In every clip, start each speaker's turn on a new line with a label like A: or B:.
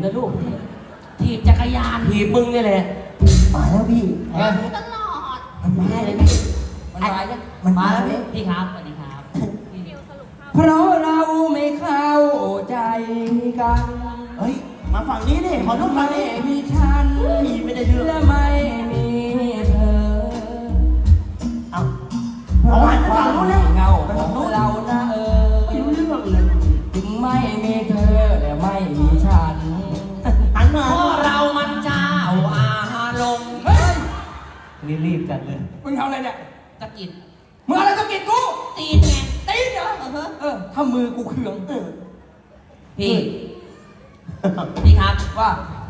A: นะลูก
B: ถีบจักรยาน
A: ถีบมึงนี่แหละ
C: มาแล้วพี่
B: ตลอด
C: มันมาเลยพี่
A: มันมาแล้ว
C: มัน
B: มา
C: มา
B: แล้ว
C: แล้ว
B: พี่ครับสวัสดีครับ
A: เพราะเราไม่เข้าใจกัน
C: เฮ้ยมาฝั่งนี้ดิขอทุกฝั่ง
A: ไม่
C: นี้
A: มีฉัน
C: พี่ไม่ได้เรื่อง
A: และไม่มีเธอ
C: เอาเอาหันไปฝั่งนู้นเลย
A: เงา
C: ไป
A: ขอ
C: ฝั่ง
A: ง
C: นู้น
A: เรานะ
C: ไม่รู้เรื่องเลย
A: ถึงไม่มีเธอและไม่มีฉัน
C: หันมา
B: เพราะเรามันเจ้าอารมณ์
A: เฮ้ยรีบๆกันเลย
D: มึงทำอะไรเนี่ย
B: ตะกิด
D: มึงอะไรต้องกินกู
B: ตีนไง
D: ตีนเหรอถ้ามือกูเคือง
B: พี่พี่ครับ
D: ว่า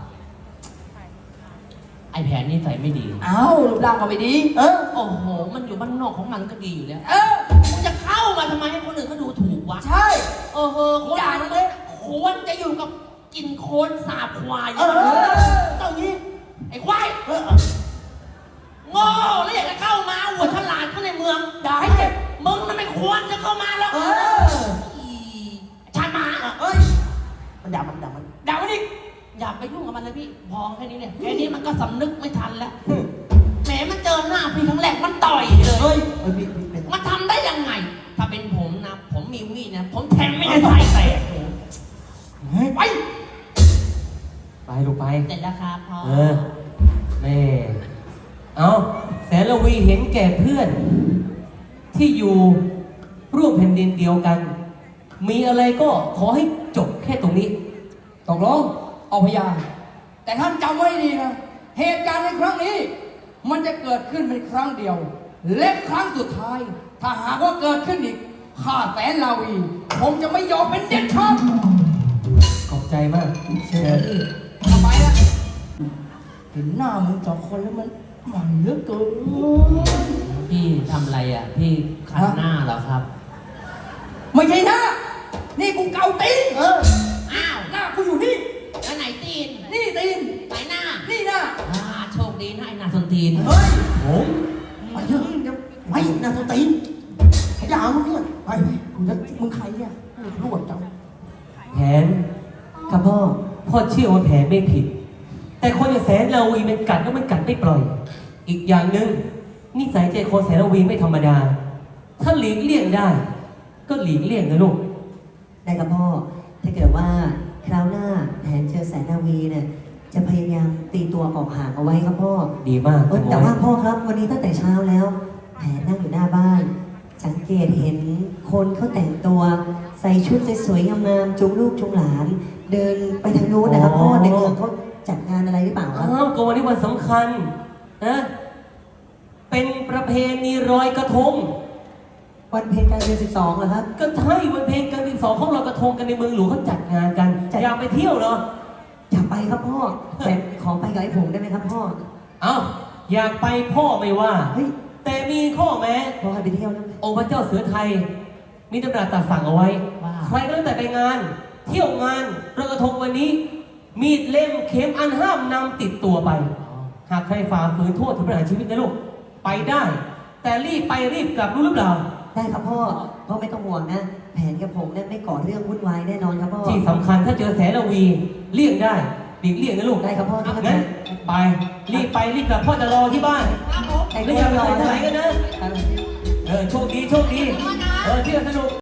B: ไอแผนนี่ใส่ไม่ดี
D: เอ้ารูปร่างก็ไม่ดี
C: เออ
B: โอ้โห มันอยู่บ้านนอกของมันก็ดีอยู่แล้ว
D: เออ
B: มึงจะเข้ามาทำไมให้คนอื่นเขาดูถูกวะ
D: ใช่
B: เออคน
D: อย่า
B: มัน
D: เลย
B: ควรจะอยู่กับกินโคลนสาบควาย
C: เออต้องนี้
B: ไอ้ควาย
C: เออ
B: โง่แล้วอยากจะเข้ามาหัวฉลาดเข้าในเมือง
D: อย่าให้เจ็บ
B: มึงน่ะไม่ควรจะเข้ามาหรอก
C: เออ
B: อีชาญหมา
C: เอ้ยมันด่ามัน
D: ด่ามันอีก
B: อย่าไปยุ่งกับมันเลยพี่พอแค่นี้เนี่ยแค่นี้มันก็สำนึกไม่ทันแล้วแหมมันเจอหน้าพี่ครั้งแรกมันต่อยเลย
C: เฮ้ยพี่เป็น
B: มันทำได้ยังไง ถ้าเป็นผมนะ ผมมีมีดนะ ผมแทงไม่ได้ใส่แตก
D: เฮ้ยไป
A: ไปลูกไป
B: เสร็จแล้วครับพ่อ
A: แม่เอาแสนละวีเห็นแก่เพื่อน ที่อยู่ร่วมแผ่นดินเดียวกัน มีอะไรก็ขอให้จบแค่ตรงนี้
D: ตกลงเอาพยานแต่ท่านจำไว้ดีนะ เหตุการณ์ในครั้งนี้ มันจะเกิดขึ้นเป็นครั้งเดียว และครั้งสุดท้าย ถ้าหากว่าเกิดขึ้นอีกข้าแสนลาวีผมจะไม่ยอมเป็นเด็ดขาด
A: ขอบใจมากเชิญ
D: ทำไมล่ะเห็นหน้ามึงสองคนแล้วมันเหลือเกิน
B: พี่ทำอะไรอ่ะ พี่ขัดหน้าเหรอครับ
D: ไม่ใช่หน้า นี่กูเกาตีน
B: อ้าว
D: หน้ากูอยู่นี่
B: แล้วไหนตีน
D: นี่ตีน
B: ไหนหน้า
D: นี่หน้า
B: โชคดีนะไอ้หน้าส้นตีน
C: เฮ้ย
A: ผม
C: ไปเถอะเดี๋ยวไปนาตัวตีนอย่ามึงเนี่ยไปแล้วมึงใครเนี่ยรวดจัง
A: แผนครับพ่อเชื่อว่าแผนไม่ผิด แต่คนอย่างแสนละวีมันกัดแล้วมันกัดไม่ปล่อย อีกอย่างหนึ่งนิสัยใจคอแสนละวีไม่ธรรมดา ถ้าหลีกเลี่ยงได้ ก็หลีกเลี่ยงนะลูก
E: ได้ครับพ่อ ถ้าเกิดว่าคราวหน้าแผนเจอแสนนาวีเนี่ยจะพยายามตีตัวออกห่างเอาไว้ครับพ่อ
A: ดีมาก
E: แต่ว่าพ่อครับวันนี้ตั้งแต่เช้าแล้ว แผนนั่งอยู่หน้าบ้าน สังเกตเห็นคนเขาแต่งตัวใส่ชุดสวยๆงามๆจูงลูกจูงหลาน เดินไปทางนู้นนะครับพ่อในเมืองเขาจัดงานอะไรหรือเปล่าครับ
A: อ้าวก็วันนี้วันสำคัญนะเป็นประเพณีลอยกระทง
E: วันเพ็ญกลางเดือน12เหรอครับ
A: ก็ใช่วันเพลงกันที่สองเขาลอยกระทงกันในเมืองหลวงเขาจัดงานกัน อยากไปเที่ยวเหรอ
E: อยากไปครับพ่อแต่ขอไปกับไอ้ผงได้ไหมครับพ่อ
A: เอ้าอยากไปพ่อไม่ว่า
E: เฮ้ย
A: แต่มีข้อแม้
E: พ่อให้ไปเที่ยวนะ
A: องค์พระเจ้าเสือไทย มีตำราตรัสสั่งเอาไว้
B: ว่า
A: ใครก็แล้วแต่ไปงาน เที่ยวงานลอยกระทงวันนี้ มีดเล่มเข็มอันห้ามนำติดตัวไป หากใครฝ่าฝืนโทษถึงประหารชีวิตนะลูกไปได้ แต่รีบไปรีบกลับรู้หรือเปล่า
E: ได้ครับพ่อไม่ต้องห่วงนะ แผนกับผมเนี่ยไม่ก่อเรื่องวุ่นวายแน่นอนครับพ่อ
A: ที่สำคัญถ้าเจอแสนละวีเลี่ยงได้หลีกเลี่ยงนะลูก
E: ได้ครับพ่อ
A: งั้นไปรีบไปรีบกลับพ่อจะรอที่บ้าน
B: ครับผม
E: แต่
A: ไม่
E: ก็
A: อยาก
E: รอ
A: ไปไหน
E: นะ
A: กันนะโชคดีโชคดีเที่ยวสนุก